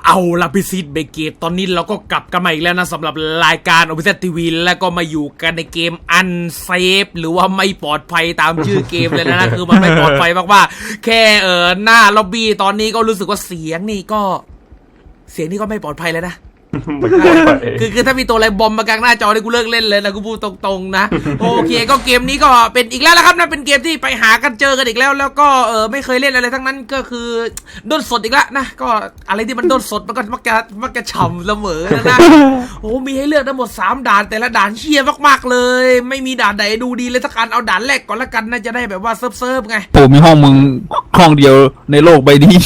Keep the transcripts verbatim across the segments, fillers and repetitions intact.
เอาละพิซิตเบเกตตอนนี้เราก็กลับกันมาอีกแล้วนะสำหรับรายการ Official ที วี แล้วก็มาอยู่กันในเกม Unsafe หรือว่าไม่ปลอดภัยตามชื่อเกมเลยนะ คือมันไม่ปลอดภัยมากๆแค่เออหน้าล็อบบี้ตอนนี้ก็รู้สึกว่าเสียงนี่ก็เสียงนี่ก็ไม่ปลอดภัยเลยนะคือคือถ้ามีตัวอะไรบอมมากลางหน้าจอเนี่ยกูเลิกเล่นเลยนะกูพูดตรงๆนะโอเคก็เกมนี้ก็เป็นอีกแล้วนะครับนะเป็นเกมที่ไปหากันเจอกันอีกแล้วแล้วก็เออไม่เคยเล่นอะไรทั้งนั้นก็คือด้นสดอีกแล้วนะก็อะไรที่มันด้นสดมันก็มักจะมักจะฉ่ำเสมอนะโอ้มีให้เลือกทั้งหมดสามด่านแต่ละด่านเชี่ยมากๆเลยไม่มีด่านไหนดูดีเลยสักการเอาด่านแรกก่อนละกันน่าจะได้แบบว่าเซิร์ฟๆไงโอ้มีห้องมึงห้องเดียวในโลกใบนี้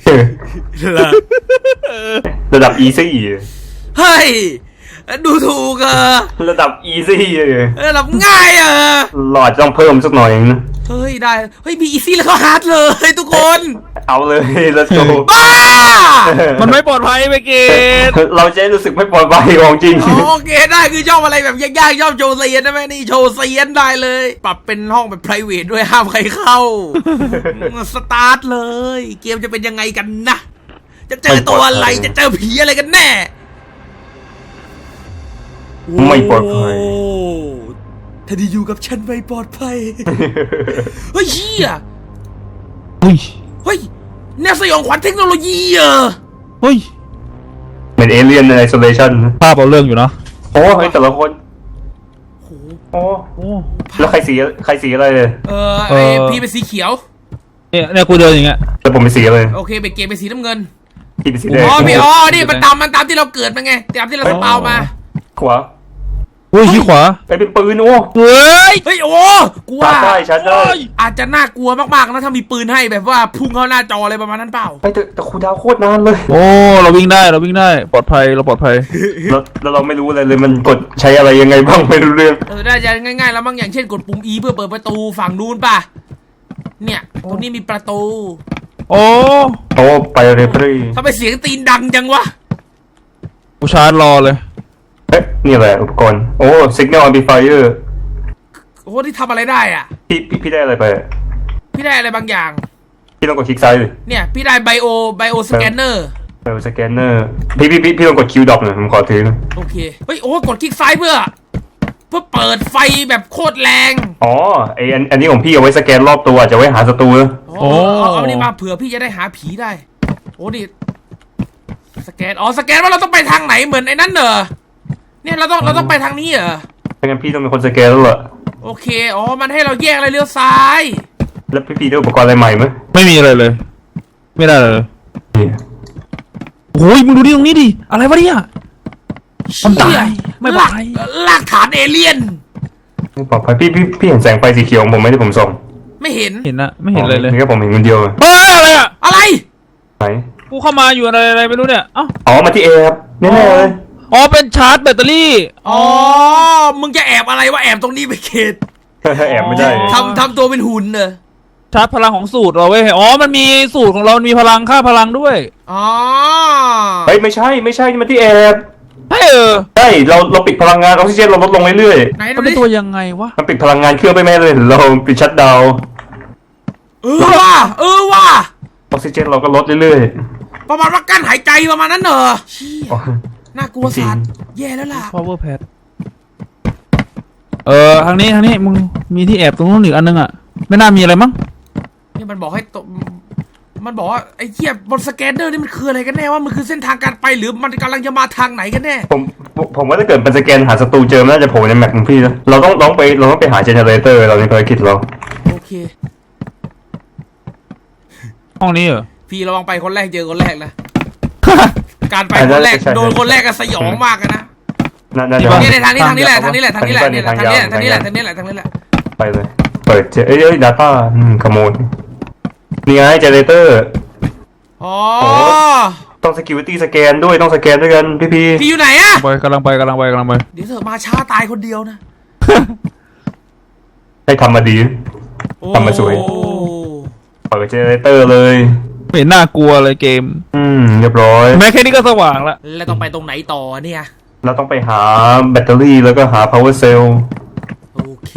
ระดับ easy เฮ้ยดูถูกอะระดับ easy เลยระดับง่ายอะหลอดต้องเพิ่มสักหน่อยนะเฮ้ยได้เฮ้ยมี easy แล้วก็ฮาร์ดเลยทุกคนเอาเลย let's go บ้ามันไม่ปลอดภัยไปเกตเราจะรู้สึกไม่ปลอดภัยของจริงโอเคได้คือชอบอะไรแบบยากๆชอบโชว์เซียนได้ไหมนี่โชว์เซียนได้เลยปรับเป็นห้องแบบ private ด้วยห้ามใครเข้าสตาร์ทเลยเกมจะเป็นยังไงกันนะจะเจอตัวอะไรจะเจอผีอะไรกันแน่ไม่ปลอดภัยถ้าได้อยู่กับฉันไม่ปลอดภัยเฮ้ยเฮียเฮ้ยเฮ้ยแนวสยองขวัญเทคโนโลยีเหรอเฮ้ยเป็นเอเลี่ยนในไอโซเลชันภาพเอาเรื่องอยู่นะโอ้ยแต่ละคนโอ้โอ้แล้วใครสีใครสีอะไรเลยเออไอพี่เป็นสีเขียวเนี่ยเนี่ยกูเดินอย่างเงี้ยแล้วผมเป็นสีอะไรโอเคเป็นเกมเป็นสีน้ำเงินพี่เป็นสีแดงอ๋อพี่อ๋อนี่มันตามมันตามที่เราเกิดมาไงตามที่เราสปาวมาขวาเฮ้ยขี้ขวาไปเป็นปืนโอ้เฮ้ยเฮ้ยโอ้กลัวใช่ชัดเลยอาจจะน่ากลัวมากๆนะถ้ามีปืนให้แบบว่าพุ่งเข้าหน้าจออะไรประมาณนั้นเปล่าไปแต่แต่คูดาวโคตรนานเลยโอ้เราวิ่งได้เราวิ่งได้ปลอดภัยเราปลอดภัยแล้วแล้วเราไม่รู้อะไรเลยมันกดใช้อะไรยังไงบ้างไม่รู้เรื่องเออได้จะง่ายๆแล้วมั้งอย่างเช่นกดปุ่ม E เพื่อเปิดประตูฝั่งนู้นป่ะเนี่ยตรงนี้มีประตูโอ้โอ้ไปเรฟรี่ทำไมเสียงตีนดังจังวะกูชาร์จรอเลยเอ๊ะนี่อะไรอุปกรณ์โอ้ signal amplifier โอ้ที่ทำอะไรได้อ่ะพี่พี่พี่ได้อะไรไปพี่ได้อะไรบางอย่างพี่ต้องกดคลิกซ้ายเลยเนี่ยพี่ได้ไบโอไบโอสแกนเนอร์ไบโอสแกนเนอร์พี่พี่พี่พี่ต้องกดคิวดรอปหน่อยผมขอถือโอเคเฮ้ยโอ้กดคลิกซ้ายเพื่อเพื่อเปิดไฟแบบโคตรแรงอ๋อไออันอันนี้ของพี่เอาไว้สแกนรอบตัวจะไว้หาศัตรูโอ้เอาอันนี้มาเผื่อพี่จะได้หาผีได้โอ้ดิสแกนอ๋อสแกนว่าเราต้องไปทางไหนเหมือนไอ้นั่นเหรอเนี่ยเราต้องเราต้องไปทางนี้เหรอไม่งั้นพี่ต้องเป็นคนสแกนแล้วเหรอโอเคอ๋อมันให้เราแยกอะไรเลี้ยวซ้ายแล้วพี่พี่ได้อุปกรณ์อะไรใหม่ไหมไม่มีอะไรเลยไม่ได้เลยโอ้ยมึงดูดิตรงนี้ดิอะไรวะเนี่ยมันตายไม่ปลอดภัยลากฐานเอเลี่ยนไม่ปลอดภัยพี่พี่พี่เห็นแสงไฟสีเขียวของผมไหมที่ผมส่องไม่เห็นเห็นนะไม่เห็นเลยเลยนี่ก็ผมเห็นคนเดียวเฮ้ยอะไรอะอะไรไหนกูเข้ามาอยู่อะไรอะไรไม่รู้เนี่ยอ๋ออ๋อมาที่เอครับแน่ๆเลยอ๋อเป็นชาร์จแบตเตอรี่อ๋อมึงจะแอบอะไรวะแอบตรงนี้ไปเขตแอบไม่ได้ทำทำตัวเป็นหุ่นเนอะชาร์จพลังของสูตรเราเว้ยอ๋อมันมีสูตรของเรามีพลังค่าพลังด้วยอ๋อเฮ้ยไม่ใช่ไม่ใช่นี่มันที่แอบใช่เออใช่เราเราปิดพลังงานออกซิเจนเราลดลงเรื่อยๆไหนมันเป็นตัวยังไงวะมันปิดพลังงานเครื่องไปแม่เลยเราปิดชัตดาวน์เออว่ะเออว่ะออกซิเจนเราก็ลดเรื่อยๆประมาณว่ากั้นหายใจประมาณนั้นเหรอน่ากลัวสัตว์แย่แล้วล่ะ power pad เออทางนี้ทางนี้มึงมีที่แอบตรงนู้นอีกอันนึงอ่ะไม่น่ามีอะไรมั้งนี่มันบอกให้ตมันบอกว่าไอ้เหี้ยบนสแกนเนอร์นี่มันคืออะไรกันแน่ว่ามันคือเส้นทางการไปหรือมันกำลังจะมาทางไหนกันแน่ผมผมว่าถ้าเกิดเป็นสแกนหาศัตรูเจอน่าจะโผล่ในแมปของพี่แล้วเราต้องต้องไปเราต้องไปหาเจเนเรเตอร์เราในภารกิจเราโอเคห้องนี้เหรอพี่ระวังไปคนแรกเจอคนแรกนะการไปคนแรกโดนคนแรกก็สยองมากนะนี่ในทางนี้ทางนี้แหละทางนี้แหละทางนี้แหละนี่แหละทางนี้แหละทางนี้แหละทางนี้แหละทางนี้แหละไปเลยเปิดเจเอ้ย data อืมขโมยนี่ไงเจเนเรเตอร์อ๋อต้อง security สแกนด้วยต้องสแกนด้วยกันพี่พี่พี่อยู่ไหนอะไปกำลังไปกำลังไปกำลังไปเดี๋ยวเธอมาช้าตายคนเดียวนะให้ทำมาดีทำมาสวยเปิดเจเนเรเตอร์เลยไม่น่ากลัวเลยเกมอืมเรียบร้อยแม้แค่นี้ก็สว่างแล้วแล้วต้องไปตรงไหนต่อเนี่ยเราต้องไปหาแบตเตอรี่แล้วก็หา power cell โอเค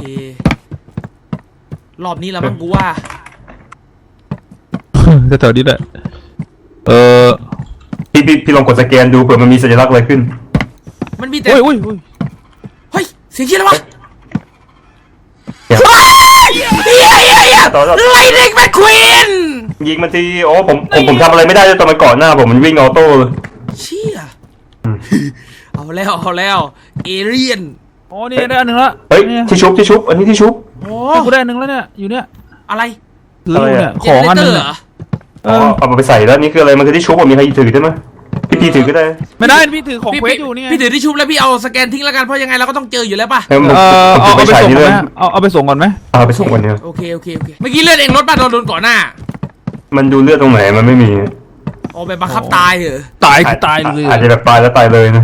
รอบนี้แล้วมั้งกูว่าจะแถวนี้แหละเออพี่พี่พี่ลองกดสแกนดูเผื่อมันมีสัญลักษณ์อะไรขึ้นมันมีแต่โอ้ยโอ้ยโอ้ยเฮ้ยเสียงเชี่ยอะไรวะเดี๋ยวเฮ้ยเฮียเฮียเฮียต่อต่อไลนิ่งแมคควีนยิงมันทีโอ้ผมผมผมทำอะไรไม่ได้เลยตอนมันก่อนหน้าผมมันวิ่งออโต้เลยเชี่ยเอาแล้วเอาแล้วเอเลียนอ๋อนี่ได้อันหนึ่งละเฮ้ยนี่ที่ชุบที่ชุบอันนี้ที่ชุบโอ้นี่กูได้อันหนึ่งแล้วเนี่ยอยู่เนี่ยอะไรถืออยู่เนี่ยเจของเนอันหเตนึอง ร์อะเหรอเออ๋ออเอามาไปใส่แล้วนี่คืออะไรมันคือที่ชุบอ่ะมีใครถือได้ไหมพี่พี่ถือก็ได้ไม่ได้พี่ถือของพี่เควสพี่อยู่เนี่ยพี่ถือที่ชุบแล้วพี่เอาสแกนทิ้งแล้วกันเพราะยังไงเราก็ต้องเจออยู่แล้วป่ะเออผมเออผมเอาถือเอาไปไปใส่ส่งนี่ก่เลอนยไหมเอาเอาไปส่งก่อนไหมเอาไปส่งกันเนี่ยโอเคโอเคโอเคเมื่อกี้เลือดเองรถป่ะโดนโดนก่อนหน้ามันดูเลือดตรงไหนมันไม่มีเอาไปบังคับตายเหรอตายคือตายเลยอาจจะแบบตายแล้วตายเลยนะ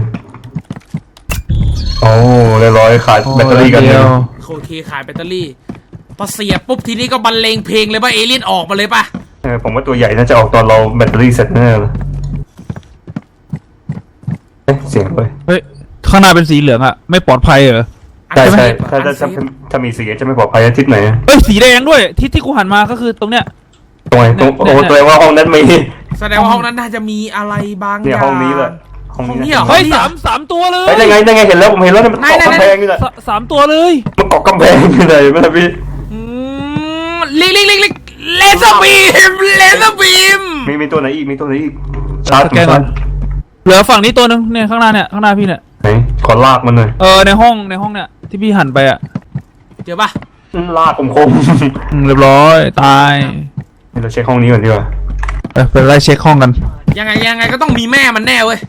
โอ้เรียบร้อยขาดแบตเตอรี่กันเดีเนี่ย ยวโอเคขายแบตเตอรี่พอเสียบปุ๊บทีนี้ก็บรรเลงเพลงเลยป่ะเอเลี่ยนออกมาเลยป่ะเออผมว่าตัวใหญ่น่าจะออกตอนเราแบตเตอรี่เสร็จแน่เลยเอ๊ะเสียงเลยเฮ้ยข้างหน้าเป็นสีเหลืองอะไม่ปลอดภัยเหรอใช่ใช่อัถ้านเซถ้าฟถ้าถ้ามีสีจะไม่ปลอดภัยทิศไหนเอ้ยสีแดงด้วยที่ที่กูหันมาก็คือตรงเนี้ยตรงไหนตรงโอ้แสดงว่าห้องนั้นมีแสดงว่าห้องนั้นน่าจะมีอะไรบางอเนี่ยย่างห้องนี้แหละห้องห้องนี้นี้เหรอเฮ้ยสามสามตัวเลยเฮ้ยได้ไงได้ไงเห็นแล้วผมเห็นแล้วเนี่ยมันเกาะไหนไหนกำแพงนี่แหละสสามตัวเลยมันเกาะกำแพงนี่เลยไม่ใช่พี่อืมลิงลิงลิงลิงเลเซอร์บีมเลเซอร์บีมมีมีตัวไหนอีกมีตัวไหนอีกชาร์จสแกนก่อนเหลือฝั่งนี้ตัวหนึงเนี่ยข้างหน้าเนี่ยข้างหน้าพี่เนี่ยไหนขอลากมันหน่อยเออในห้องในห้องเนี่ยที่พี่หันไปอะเจอป่ะลากคมอืมเรียบร้อยตายๆนี่เราเช็คห้องนี้ก่อนดีกว่าเออไปไล่เช็คห้องกันยังไงยังไงก็ต้องมีแม่มันแน่เว้ย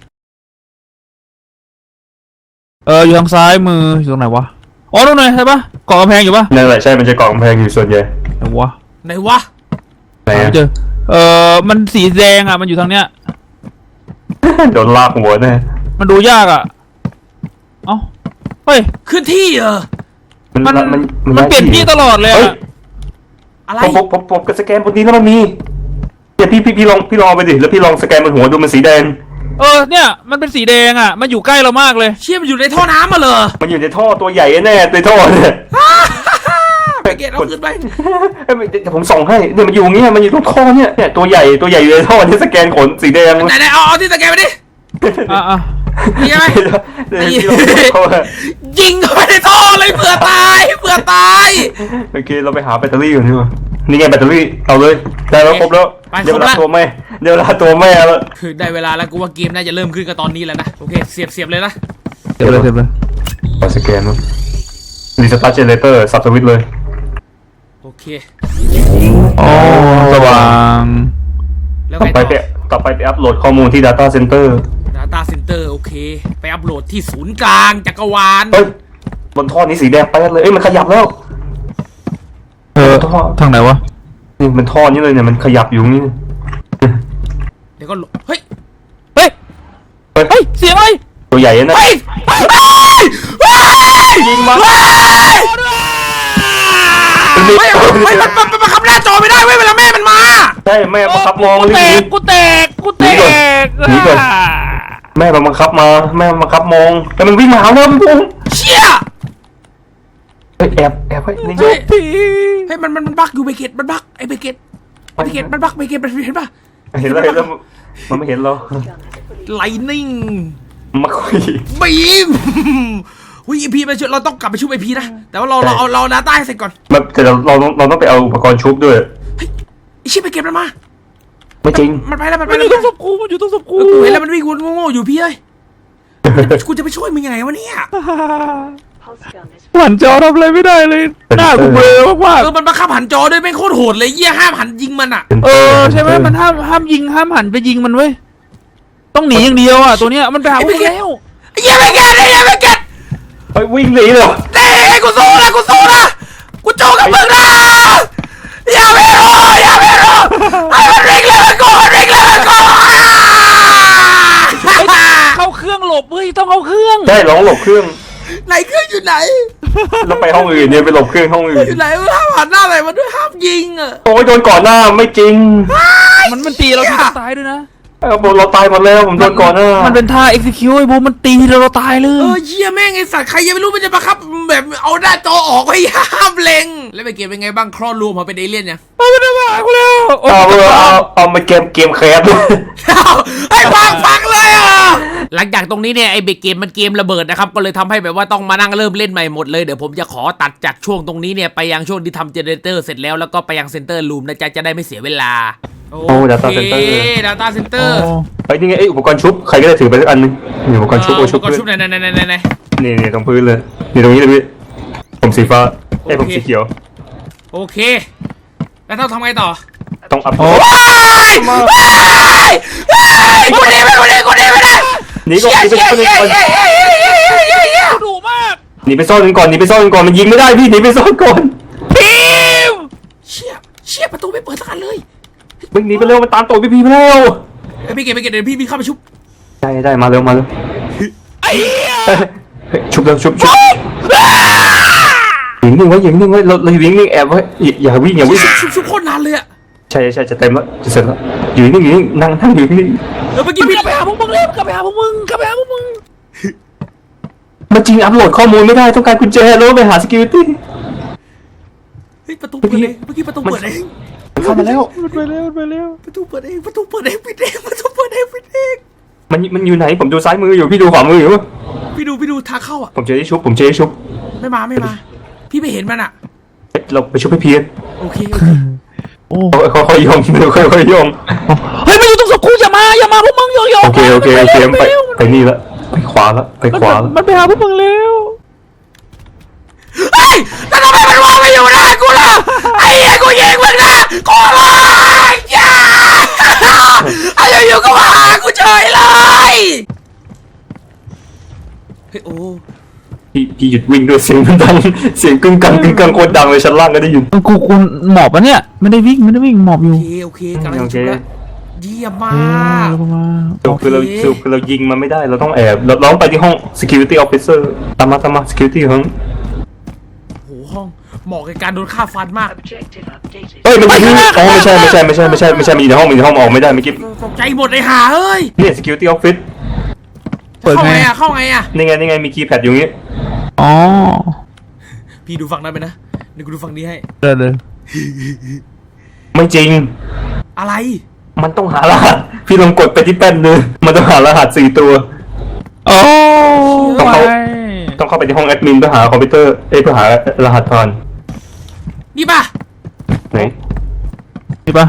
เอออยู่ทางซ้ายมืออยู่ตรงไหนวะอ๋อตรงไหนใช่ปะเกาะกำแพงอยู่ปะนั่นแหละใช่มันจะเกาะกำแพงอยู่ส่วนใหญ่ไหนวะไหนวะไหนหาอะไม่เจอเออมันสีแดงอ่ะมันอยู่ทางเนี้ยโดนลากหัวแน่มันดูยากอ่ะเอ้าเฮ้ยขึ้นที่เหรอมันมันมันเปลี่ยนที่ตลอดเลยเฮ้ยอ่ะอะไรผมผมผมผมกับสแกนบนนี้แล้วมันมีเนี่ยพี่พี่พี่ลองพี่ลองเอาไปดิแล้วพี่ลองสแกนบนหัวดูมันสีแดงเออเนี่ยมันเป็นสีแดงอ่ะมันอยู่ใกล้เรามากเลยเชี่ยมันอยู่ในท่อน้ำมาเลยมันอยู่ในท่อตัวใหญ่แน่ในท่อเนี่ยไปเกตเอาขึ้นไปเอ้ยเดี๋ยวผมส่องให้เนี่ยมันอยู่อย่างเงี้ยมันอยู่ตรงท่อเนี่ยเนี่ยตัวใหญ่ตัวใหญ่อยู่ในท่อที่สแกนขนสีแดงไหนไหนเอาเอาที่สแกนไปดิอ่ะอ่ะนี่ไหมเดี๋ยวพี่ลองเข้ามายิงเข้าไปในท่อเลยเผื่อตายเผื่อตายโอเคเราไปหาแบตเตอรี่ก่อนดีกว่านี่ไงแบตเตอรี่เอาเลยได้แล้วครบแล้วไปเดี๋ยวครเวบลาละตัวแม่เดี๋ยวเวลาตัวแม่แล้วคือได้เวลาแล้วกูว่าเกมน่าจะเริ่มขึ้นกับตอนนี้แล้วนะโอเคเสียบเสียบเลยนะเดี๋ยวเลยเดี๋ยวเลยขอสแกนมั้งรีสตาร์ทเจเนเรเตอร์สับสวิตช์เลยโอเคอ๋อสว่างแล้วต่อไงไปต่ไปอต่อไปไปอัปโหลดข้อมูลที่ Data Center Data Center โอเค ไปอัปโหลดที่ศูนย์กลางจักรวาลเฮ้ยบนท่อนี้สีแดงไปเลยเอ้ยมันขยับแล้วเออทางไหนวะนี่มันท่อนี้เลยเนี่ยมันขยับอยู่นี่เดี๋ยวก็หลบเฮ้ยเฮ้ยเฮ้ยเฮ้ยเสียงอะไรตัวใหญ่นะเฮ้ยเฮ้ยเฮ้ยยิงมาเฮ้ยเฮ้ยเฮ้ยมันมันมันบังคับหน้าจอไม่ได้เว้ยเวลาแม่มันมาใช่แม่บังคับมองกูรีแตบกกูแตกกูแตกหนีก่อน แม่บังคับมาแม่บังคับมองแต่มันวิ่งมาหาเราพุ่งเชี่ยเฮ้ยแอบแอบไว้นี่ไงเฮ้ยพี่เฮ้ยมันมันมันบักอยู่เบเกตมันบักไอ้เบเกตไอ้เบเกตมันบักเบเกตมันเห็นปะเห็นแล้วเห็นแล้วมันไม่เห็นเราไลนิ่งมาคุยบีมหุ้ยไอพีไปช่วยเราต้องกลับไปช่วยไอพีนะแต่ว่าเราเราเอาเราดาต้าให้เสร็จก่อนมันแต่เราเราต้องเราต้องไปเอาอุปกรณ์ชุบด้วยเฮ้ยไอชิบเบเกตมันมาไม่จริงมันไปแล้วมันไปมันอแล้วยู่ตรงศพกูมันอยู่ตรงศพกูเออกูเห็นแล้วมันวิ่งวนโง่ๆอยู่พี่เอ้ยกูจะไปช่วยมึงยังไงวะเนี่ยหวันจอทำอะไรไม่ได้เลยหน้ากูเบลอมากเออมันบังคับหันจอด้วยแม่งโคตรโหดเลยเยี่ยห้ามหันยิงมันอ่ะๆเออใช่ไหมมันห้ามห้ามยิงห้ามหันไปยิงมันเว้ยต้องหนีอย่างเดียวอ่ะตัวเนี้ยมันไปหาพวกแล้วไอ้เยี่ยเบเกตไอ้เยี่ยเบเกตเฮ้ยวิ่งหนีเลยเต้กูสู้นะกูสู้นะกูโจกับมึงนะอย่าไปรออย่าไปรอไอ้มันเร่งเลยมันก่อนเร่งเลยมันก่อนเข้าเครื่องหลบเฮ้ยต้องเข้าเครื่องใช่ร้องหลบเครื่องไหนเครื่องอยู่ไหนแล้วไปห้องอื่นเนี่ยไปหลบเครื่องห้องอื่นอยู่ไหนห้ามหันหน้าไหนมาด้วยห้ามยิงอ่ะโอ้ยโดนก่อนหน้าไม่จริงมันมันตีเราที่ตายด้วยนะเออผมเราตายหมดแล้วผมโดนก่อนหน้ามันเป็นท่า execute ไอ้บูมมันตีเราเราตายเลเอย อเยี่ยแม่งไอสัตว์ใครยังไม่รู้มันจะบังคับแบบเอาหน้าจอออกไว้ห้ามเล็งแล้วไปเกมเป็นไงบ้างคลอดลูกมาเป็นเอเลี่ยนยังเอาไปทำไมกูแล้วโอ้เอายเอาเอาเอามาเกมเกมแคสเอาไอ้พังพังเลงจากตรงนี้เนี่ยไอ้เบรกเกมมันเกมระเบิดนะครับก็เลยทำให้แบบว่าต้องมานั่งเริ่มเล่นใหม่หมดเลยเดี๋ยวผมจะขอตัดจากช่วงตรงนี้เนี่ยไปยังช่วงที่ทำเจเนเรเตอร์เสร็จแล้วแล้วก็ไปยังเซ็นเตอร์รูมนะจ๊ะจะได้ไม่เสียเวลาโอ้ data center data center เฮ้ยนี่ไงไอ้อุปกรณ์ชุบใครก็ได้ถือไปสักอันนึงนี่อุปกรณ์ชุบโอชุบอุปกรณ์ชุบไหนไหนไหนไหนไหนนี่นี่ตรงพื้นเลยนี่ตรงนี้เลยพี่ผมสีฟ้าไอ้ผมสีเขียวโอเคแล้วต้องทำไงต่อต้องอัพโอ้ว้ายว้ายว้ายกูหนีไม่กูหนีกูหนีไม่ได้หนีก่อนหนีไปซ่อนก่อนดุมากหนีไปซ่อนก่อนหนีไปซ่อนก่อนมันยิงไม่ได้พี่หนีไปซ่อนก่อนพิมเชี่ยเชี่ยประตูไม่เปิดสักอันเลยมึงหนีไปเร็วมันตามตัวพี่พี่มาแล้วไอ้พี่เกดพี่เกดเดี๋ยวพี่พี่เข้าไปชุบได้ได้มาเร็วมาเร็วไอ้เหี้ยชุบเร็วชุบชุบยิงนิ่งไว้ยิงนิ่งไว้เราเรายิงนิ่งแอบไว้อย่าวิ่งอย่าวิ่งชุบชุบโคตรนานเลยอะใช่ใช่จะเต็มแล้วจะเสร็จแล้วอยู่นิ่งอยู่นิ่งนั่งนั่งอยู่นิ่งเออเมื่อกี้กพี่ลับไปหาพวกมึงเร็วกลับไปหาพวกมึงกลับไปหาพวกมึงมันจริงอัพโหลดข้อมูลไม่ได้ต้องการกุญแจแล้วไปหา security เฮ้ยประตูเปิดเองเมื่อกี้ประตูเปิดเองเข้ามาแล้วมันไปเร็วมันไปเร็วประตูเปิดเองประตูเปิดเองปิดเองประตูเปิดเองปิดเองมันมันอยู่ไหนผมดูซ้ายมืออยู่พี่ดูขวามืออยู่พี่ดูพี่ดูทางเข้าอ่ะผมเจอที่ชุบผมเจอที่ชุบไม่มาไม่มา พี่ไม่เห็นมันอ่ะเราไปชุบให้เพียนโอเคโอเคโอ้ค่อยๆยองค่อยๆยองเฮ้ยมันอยู่ตรงศพกูอย่ามาอย่ามาพวกมึงโยโย่โอเคโอเคโอเคไปไปนี่ละไปขวาละไปขวาละมันไปหาพวกมึงเร็วเฮ้ยแต่ทำไมมันวางไม่อยู่หน้ากูล่ะไอ้เหี้ยกูยิงมึงนะกูร้องอย่าไอ้อยู่ๆก็มาหากูเฉยเลยเฮ้ยโอ้พี่พี่หยุดวิ่งด้วยเสียงมันดังเสียงกึ่งกังกึ่งกังโคตรดังเลยชั้นล่างก็ได้ยินกูกูหมอบปะเนี่ยไม่ได้วิ่งไม่ได้วิ่งหมอบอโอยู่ เคโอเคกำลังชุบแล้วเยี่ยมมาเอก อมาสรุปคือเราสรุปคือเรายิงมันไม่ได้เราต้องแอบเราเราต้องไปที่ห้อง security officer ตามมาตามมา security ห้องโหห้องเหมาะกับการโดนฆ่าฟันมากเฮ้ยมันยิงอ๋อไม่ใช่ไม่ใช่ไม่ใช่ไม่ใช่ไม่ใช่มันอยู่ในห้องมันอยู่ในห้องออกไม่ได้เมื่อกี้ตกใจหมดเลยห่าเอ้ยเนี่ย security office เปิดเข้าไงไงอะเข้าไงอะนี่ไงนี่ไงมีคีย์แพดอยู่นี้อ๋อพี่ดูฝั่งนั้นไปนะเดี๋ยวกูดูฝั่งนี้ให้เดินเลยไม่จริงอะไรมันต้องหารหัสพี่ลองกดไปที่แป้นเลยมันต้องหารหัสสี่ตัวโอ้ต้องเข้าไปต้องเข้าไปที่ห้องแอดมินเพื่อหาคอมพิวเตอร์เอ้ยเพื่อหารหัสผ่านนี่ป่ะไหนนี่ปะ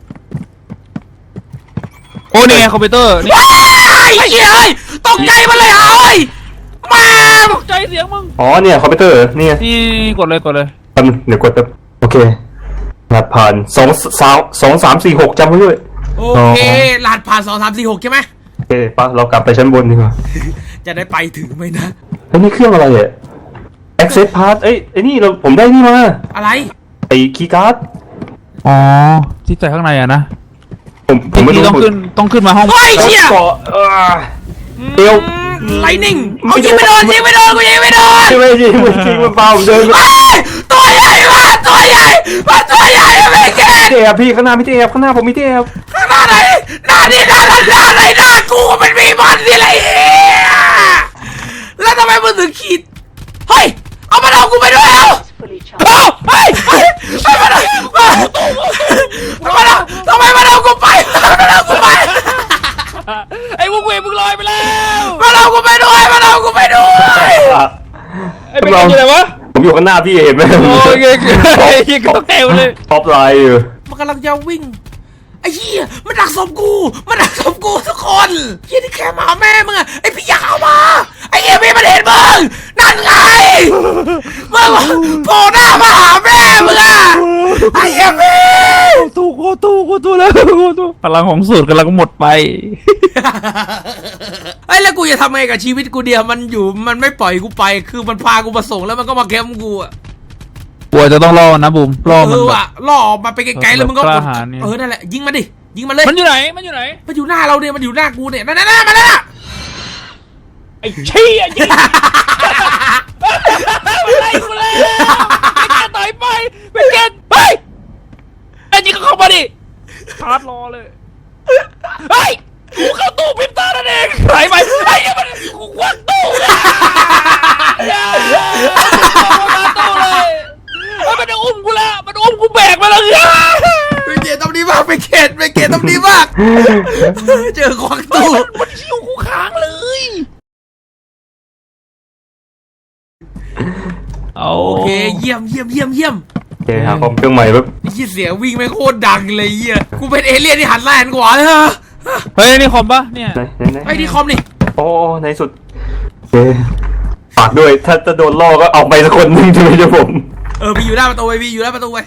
โอ้นี่ไงคอมพิวเตอร์นี่ว้ายไอ้เหี้ยเอ้ยตกใจมาเลยห่าเอ้ยมาตกใจเสียงมึงอ๋อเนี่ยคอมพิวเตอร์นี่ไงนี่กดเลยกดเลยแป๊บนึงเดี๋ยวกดแป๊บโอเครหัสผ่านสองสามสองสามสี่หกจำไว้ด้วยโอเครหัสผ่านสองสามสี่หกใช่ไหมโอเคปะเรากลับไปชั้นบนดีกว่าจะได้ไปถึงไหมนะเฮ้ยนี่เครื่องอะไรอ่ะ access pass เอ้ยไอ้นี่เราผมได้นี่มาอะไรไอ้คีย์การ์ดอ๋อที่ใจข้างในอะนะผมผมไม่ที่รู้ต้องขึ้นต้องขึ้นมาห้องเฮ้ยเชี่ยเกาะเออเอวไลนิ่งเอายิงไม่โดนยิงไม่โดนกูยิงไม่โดนไม่ไม่จริงไม่จริงมันเปล่าผมเดินเฮ้ยตัวใหญ่มากตัวใหญ่มาตัวใหญ่ไม่เก่งเทียบพี่ข้างหน้าไม่เทียบข้างหน้าผมไม่เทียบข้างหน้าไหนหน้านี่หน้าหน้าหน้าไหนหน้ากูมันมีมันสิไรเฮียแล้วทำไมมึงถึงขีดเฮ้ยเอามันเอากูไปด้วยเอาเอาเฮ้ยเฮ้ยเฮ้ยมันเอามันเอาทำไมมันเอากูไปมันเอากูไปไอ้พวกเวรมึงลอยไปแล้วมันเอากูไปด้วยมันเอากูไปด้วยไอ้เป็นยังไงวะผมอยู่ข้างหน้าพี่เห็นไหมโอ้ยไอ้ยี่ก็เทวเลยท็อปไลน์อยู่มันกำลังจะวิ่งไอ้เหี้ยมันดักศพกูมันดักศพกูทุกคนเหี้ยที่แค่มาแม่มึงอะไอ้พี่อยากเอามาไอ้เหี้ยพี่มันเห็นมึงนั่นไงมึงโผล่หน้ามาหาแม่มึงอะไอ้เหี้ยพี่ตู้โคตู้โคตู้แล้วโคตู้พลังของสูตรกำลังหมดไปไอ้แล้วกูจะทำไงกับชีวิตกูเดียวมันอยู่มันไม่ปล่อยกูไปคือมันพากูมาส่งแล้วมันก็มาแคมป์กูอะกลัวจะต้องรอนะบุ๋มรอเอมันอแบบว่ะล่อออกมาไปไกลๆแล้วมึงก็กกล้าดหาญเนี่ยเออนั่นแหละยิงมันดิยิงมันเลยมันอยู่ไหนมันอยู่ไหนมันอยู่หน้าเราเนี่ยมันอยู่หน้ากูเนี่ยนั่นนั่นนั่นมันนั่นน่ะไอ้เชี่ยยิงอะไรกูแล้วไปแกต่อยไปไปแกไปไอ้ยิงก็เข้ามาดิชาร์จรอเลยเฮ้ยกูเข้าตู้พิมพ์ตานั่นเองไหลไปไอ้ยังมันกูควักตู้เลยอย่าตู้เลยมันอุ้มกูแล้วมันอุ้มกูแบกมาแล้วเดี๋ยวตรงนี้มากไปเกตไปเกตต้องดีมาก เจอควักตู้มันชิวกูค้างเลยโอเคเยี่ยมเยี่ยมเยี่ยมเยี่ยมโอเคหาคอมเครื่องใหม่แบบไอ้เสียงวิ่งไม่งโคตรดังเลยเหี้ยกูเป็นเอเลี่ยนที่หันหน้าหันขวาเลยฮะเฮ้ยนี่คอมปะเนี่ยไหนไหนไหนไอ้ที่คอมนี่โอ้ในสุดโอเคฝากด้วยถ้าจะโดนล่อก็เอาไปสักคนหนึ่งใช่ไหมเจ้าผมเออมีอยู่หน้าประตูไว้มีอยู่หน้าประตูไว้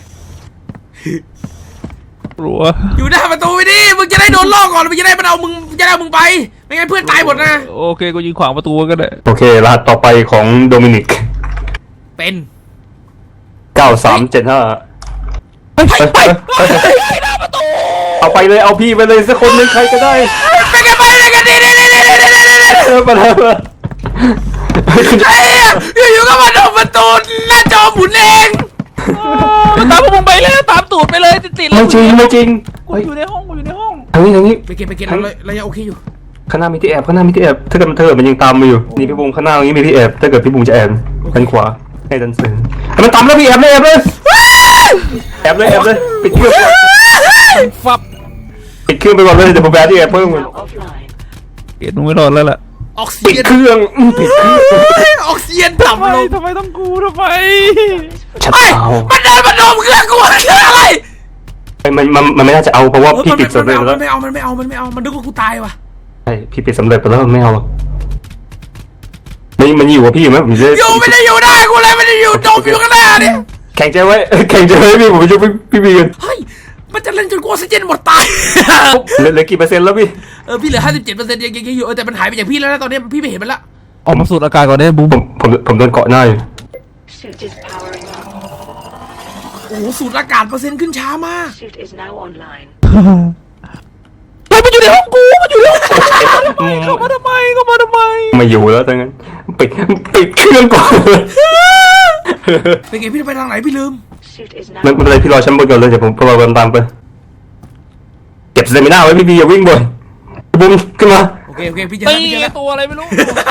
รัวอยู่หน้าประตูไว้ดิมึงจะได้โดนล่อก่อนมึงจะได้มันเอามึงจะได้เอามึงไปไม่งั้นเพื่อนตายหมดนะโอเคกูยิงขวางประตูก็ได้โอเครหัสต่อไปของโดมินิกเป็นเก้าสามเจ็ดห้าไปไปหน้าประตูเอาไปเลยเอาพี่ไปเลยสักคนหนึ่งใครก็ได้ไปกันไปเลยกันดิดิดิดิดิดิดิดิเออไปเลยไอ้เหี้ยอยู่ๆก็มาโดนประตูหน้าจอหมุนเองมันตามพวกมึงไปเลยตามตูดไปเลยติดๆเลไม่ยจริงไม่จริงกูอยู่ในห้องกูอยู่ในห้องทางนี้ทางนี้ไปเก็บไปเก็บเราเรายังโอเคอยู่ข้างหน้ามีที่แอบข้างหน้ามีที่แอบถ้าเกิดมันเธอมันยังตามมาอยู่นี่พี่บุ้งข้างหน้าตรงนี้มีที่แอบถ้าเกิดพี่บุ้งจะแอบด้านขวาให้ดันเสือให้มันตามแล้วพี่แอบเลยแอบเลยแอบเลยแอบเลยปิดเครื่องฟับปิดเครื่องไปก่อนเลยเดี๋ยวผมแอบที่แอบเพิ่มเกตมึงไม่รอดแล้วล่ะออกซิปิดเจนเครื่องอืมปิดเครื่องออกซิเจนทำต่ำไมลงทำไมต้องกูทำไมชัดเฮ้ยเอามันเดินมาดมเครื่องกูอะไรไอ้มันมันมันไม่น่าจะเอาเพราะว่าเออพี่มันปิดสำเร็จไม่แล้วเอามันไม่เอามันไม่เอามันนึกว่ากูตายว่ะใช่พี่ปิดสำเร็จไปแล้วไม่เอาหรอกมันมันอยู่กับพี่อยู่ไหมผมจะอยู่ไม่ได้อยู่ได้กูเลยไม่ได้อยู่ดมอยู่ข้างหน้าเนี่ยแข่งใจไว้แข่งใจไว้พี่ผมจะพี่พี่บีกันเฮ้ยมันจะเล่นจนกูออกซิเจนหมดตายเหลือเหลือกี่เปอร์เซ็นต์แล้วพี่เออพี่เหลือห้าสิบเจ็ดเปอร์เซ็นต์ยังยังอยู่เออแต่มันหายไปจากพี่แล้วนะตอนนี้พี่ไม่เห็นมันละออกมาสูดอากาศก่อนได้บูผม มผมผมโดนเกาะหน้าอยู่ Suit is powering up. โอ้โหสูตรอากาศเปอร์เซ็นต์ขึ้นช้ามาก Suit is now online. เฮ้ยมันอยู่ในห้องกูมันอยู่ในห้องกูเข้ามาทำไมเข้ามาทำไมไม่อยู่แล้วทั้งนั้นปิดปิดเครื่องก่อนเป็นไงพี่จะไปทางไหนพี่ลืม Suit is ไม่ now. ไม่เป็นไรพี่รอชั้นบนก่อนเลยเดี๋ยวผมรอกันตามไปเก็บสเตมิน่าไว้พี่บีอย่าวิ่งบ่อยบุ้มขึ้นมาโอเคโอเคพี่เจอตีแล้วพี่เจอแล้วตัวอะไรไม่รู้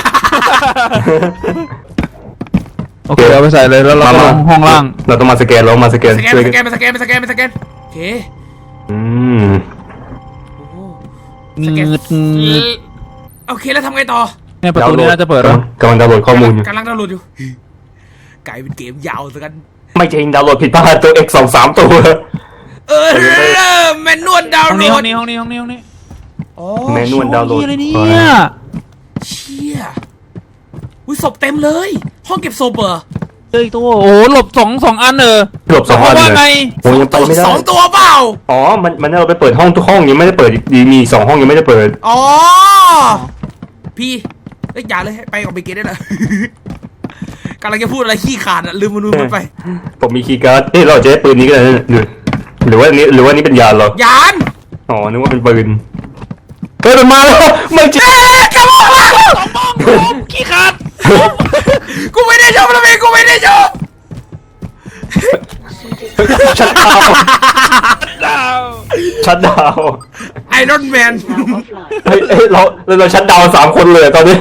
โอเคเอาไปใส่เลยแล้วเราก็ลงห้องล่างเราต้องมาสแกนเรามาสแกนสแกนช่วยสกันแกนไปสแกนไปสแกนไปสแกนโอเคอืมงืดงืดโอเคแล้วทำไงต่อเนี่ยประตูนี้น่าจะเปิดแล้วกำลังดาวน์โหลดข้อมูลอยู่กำลังดาวน์โหลดอยู่กลายเป็นเกมยาวซะกันไม่จริงดาวน์โหลดผิดพลาดตัว X สองสามตัวเออแมนนวลดาวห้องน์โหลนี้ห้อดงนี้ห้องนี้ห้องนี้ห้องนี้อ๋อแมนนวลดาวน์โหลดอะไรเนี่ยเชี่ยอุ้ยศพเต็มเลย ห้องเก็บศพเหรอเจออีกตัวโอ้หลบสองสองอันเออหลบสองอันว่าเลไงยโอ้ยังไปไม่ได้สองตัวเปล่าอ๋อมันมันให้เราไปเปิดห้องทุกห้องยังไม่ได้เปิดดีมีสองห้องยังไม่ได้เปิดอ๋อพี่เอ้ยอย่าเลยไปกับไปเกตได้เลย กำลังจะพูดอะไรขี้ขาดอะลืมมันลืมมันไปผมมีคีย์การ์ดนี่เราจะได้ปืนนี้ก็ได้นะหรือหรือว่าอันนี้หรือว่านี้เป็นยานเหรอยานอ๋อนึกว่าเป็นปืนเฮ้ยมันมาแล้วไม่จริงกระบอกมาสองบ้องผมขี้ขาดกูไม่ได้ชมแล้วเองกูไม่ได้ชมชัดดาวดาวชัดดาวไอรอนแมน Now offline. เฮ้ยเฮ้ยเราเราเราชัดดาวสามคนเลยตอนนี้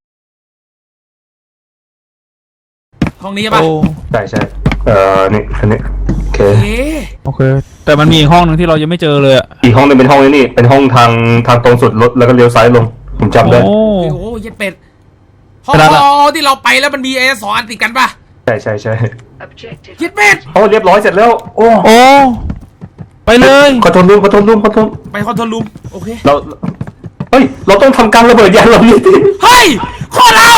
ห้องนี้ใช่ปะโอ้ใช่ใช่เอ่อนี่อันนี้โอเคเอ๊ะโอเค แต่มันมีอีกห้องหนึ่งที่เรายังไม่เจอเลยอะอีกห้องหนึงเป็นห้องนี้นี่เป็นห้องทางทางตรงสุดรถแล้วก็เลี้ยวซ้ายลงผมจำได้โอ้โอ้โหเย็ดเป็ดห้องขนาดละที่เราไปแล้วมันมีไอ้สองอันติดกันปะใช่ใช่ใช่ Objective. เย็ดเป็ดโอ้เรียบร้อยเสร็จแล้วโอ้โอ้ไปเลยขอโทษลุมขอโทษลุมขอโทษไปคอนโทรลรูมโอเคเราเฮ้ยเราต้องทำการระเบิดยานลำนี้ดิเฮ้ยโคตรเอา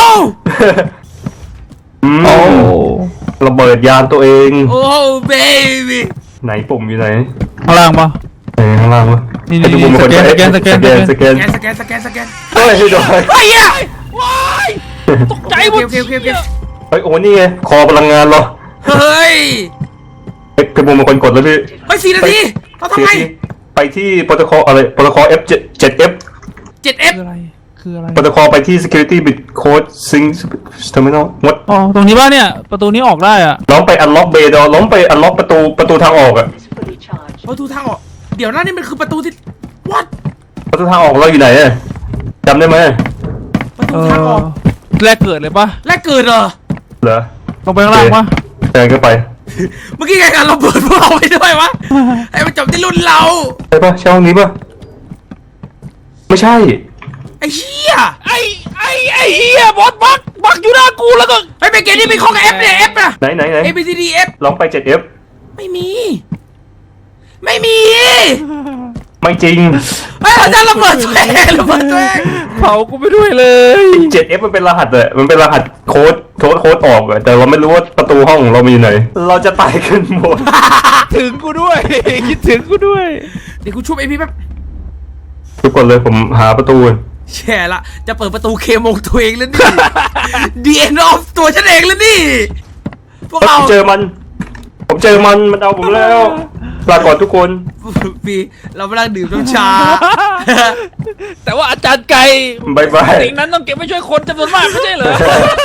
อืมโอ้ระเบิดยานตัวเองโอ้เบบี้ไหนปุ่มอยู่ไหนข้างล่างปะไหนข้างล่างวะนี่ให้ทุกคนเป็นคนสแกนสแกนสแกนสสแกแกนนสแกนสแกนสแกนสแกนเฮ้ยให้ดูเฮ้ยเหี้ยว้ายตกใจหมดโอเคโอเคโอเคเฮ้ยโอ้นี่ไงคอพลังงานเหรอเฮ้ยเฮ้ยพี่บุ้มเป็นคนกดแล้วพี่เฮ้ยสี่นาทีเราทำไงไปที่โปรโตคอลอะไรโปรโตคอล F เจ็ด F เจ็ดเอฟคืออะไรคืออะไรโปรโตคอลไปที่ security bit code sync terminal วัดอ๋อตรงนี้ป่ะเนี่ยประตูนี้ออกได้อะล้อมไป unlock bay door ล้อมไป unlock ประตูประตูทางออกอะ Is fully charged. ประตูทางออกเดี๋ยวนะนี่มันคือประตูที่วัดประตูทางออกเราอยู่ไหนอะจำได้ไหมประเอตูทางออกอแรกเกิดเลยปะและเกิดเหรอเหรอลงไปข้างล่างปะเดินเข้าไปเมื่อกี้ไงกันเราเปิดพวกเราไปด้วยวะให้มันจบที่รุ่นเราใช่ปะใช่ห้องนี้ปะไม่ใช่ไอ้เหี้ยไอ้ไอ้ไอ้เฮียบอสบักบักอยู่หน้ากูแล้วก็ไอ้เป็นเกมนี้เป็นของ F เนี่ย F นะไหนไหนไหน A B C D F ลองไป เจ็ดเอฟไม่มี ไม่มีไม่จริงเฮ้ยเราจะระเบิดตัวเองระเบิดตัวเองเผากูไปด้วยเลยเจ็ดเอฟมันเป็นรหัสเลยมันเป็นรหัสโค้ดโค้ดโค้ดออกอะแต่เราไม่รู้ว่าประตูห้องของเรามีอยู่ไหน เราจะตายกันหมดถึงกูด้วยคิดถึงกูด้วยเดี๋ยวกูชุบไอพี่แป๊บทุกคนเลยผมหาประตูก่อนแช่ละจะเปิดประตูเคมงตัวเองแล้วนี่ ดี เอ็น of ตัวฉันเองแล้วนี่พวกผเรามเจอมัน ผมเจอมันมันเอาผมแล้วลาก่อนทุกคนพี่เราไม่นั่งดื่มน้ำชาแต่ว่าอาจารย์ไก่บายบายสิ่งนั้นต้องเก็บไว้ช่วยคนจำนวนมากไม่ใช่เหรอ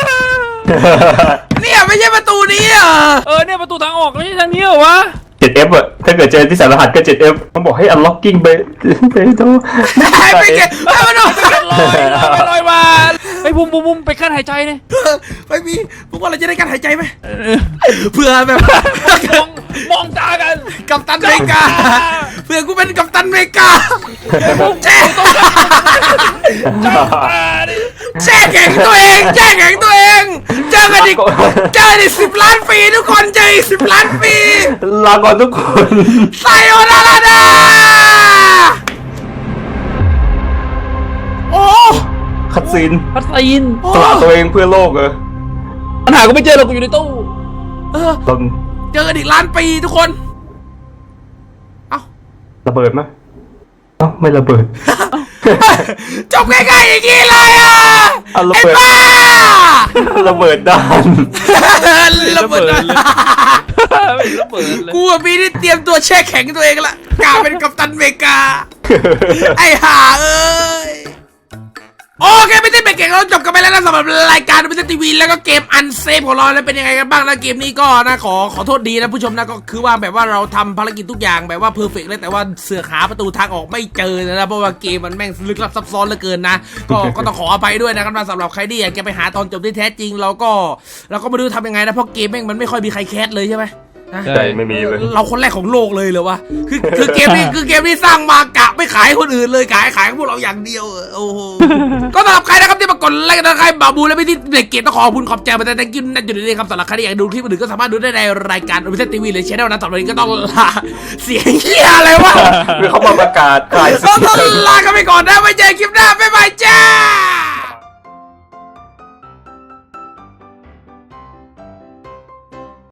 เนี่ยไม่ใช่ประตูนี้เหรอเออเนี่ยประตูทางออกไม่ใช่ทางนี้เหรอวะเจ็ดเอฟอะถ้าเกิดเจอที่สารรหัสก็ เจ็ดเอฟต้องบอกให้ unlocking ไปไปดูไม่เก็บไม่มาดูลอยลอยลอยมาไอ้บุ้มบุ้มบุ้มไปขั้นหายใจเนี่ยไม่มีพวกว่าเราจะได้การหายใจไหมเพื่อแบบมองมองตากันกัปตันอเมริกาเพื่อกูเป็นกัปตันอเมริกาแช่แช่แข็งตัวเองแช่แข็งตัวเองเจอกันอีกเจออีกสิบล้านปีทุกคนเจออีกสิบล้านปีลาก่อนทุกคนไซโอนาราดาโอ้คัดซีนพัดซีนสละตัวเองเพื่อโลกเออปัญหาก็ไม่เจอหรอกกูอยู่ในตู้เออตอนเจอกันอีกล้านปีทุกคนเอ้าระเบิดไหมเอ้าไม่ระเบิดจบง่ายๆอย่างนี้เลยอ่ะเอาระไอ้เบิดบ้าระเบิดด้านระเบิดเลยไม่ระเบิดเลยกูกับพี่นี่เตรียมตัวแช่แข็งตัวเองละกลายเป็นกัปตันอเมริกา ไอ้ห่าเอ้ยโอเคไม่ได้เป็นเก่งเราจบกันไปแล้วนะสำหรับรายการไม่ใช่ทีวีแล้วก็เกมอันเซฟของเราแล้วเป็นยังไงกันบ้างนะเกมนี้ก็นะขอขอโทษดีนะผู้ชมนะก็คือว่าแบบว่าเราทำภารกิจทุกอย่างแบบว่าเพอร์เฟกต์เลยแต่ว่าเสือกหาประตูทางออกไม่เจอนะเพราะว่าเกมมันแม่งลึกลับซับซ้อนเหลือเกินนะก็ก็ต้องขออภัยด้วยนะครับสำหรับใครที่อยากจะไปหาตอนจบที่แท้จริงเราก็เราก็ไม่รู้ทำยังไงนะเพราะเกมแม่งมันไม่ค่อยมีใครแคสเลยใช่ไหมนะใช่ไม่มีเลยเราคนแรกของโลกเลยเหรอวะ คือคือเกมนี้คือเกมนี้สร้างมากะไม่ขายให้คนอื่นเลยขายขายให้พวกเราอย่างเดียวเออโอ้โห ก็สำหรับใครนะครับที่มากดไลค์กันนะใครบาบูและพี่ที่เด็กเกตต้องขอบคุณขอบใจมาแต่ thank you นั่นอยู่ในนี้ครับสำหรับใครที่อยากดูคลิปอื่นก็สามารถดูได้ในรายการโอเปร่าทีวีหรือช่องนะสำหรับวันนี้ก็ต้องลาเสียงเหี้ยอะไรวะคือเขามาประกาศขายต้องต้องลากันไปก่อนนะไว้เจอคลิปหน้าบ๊ายบายจ้า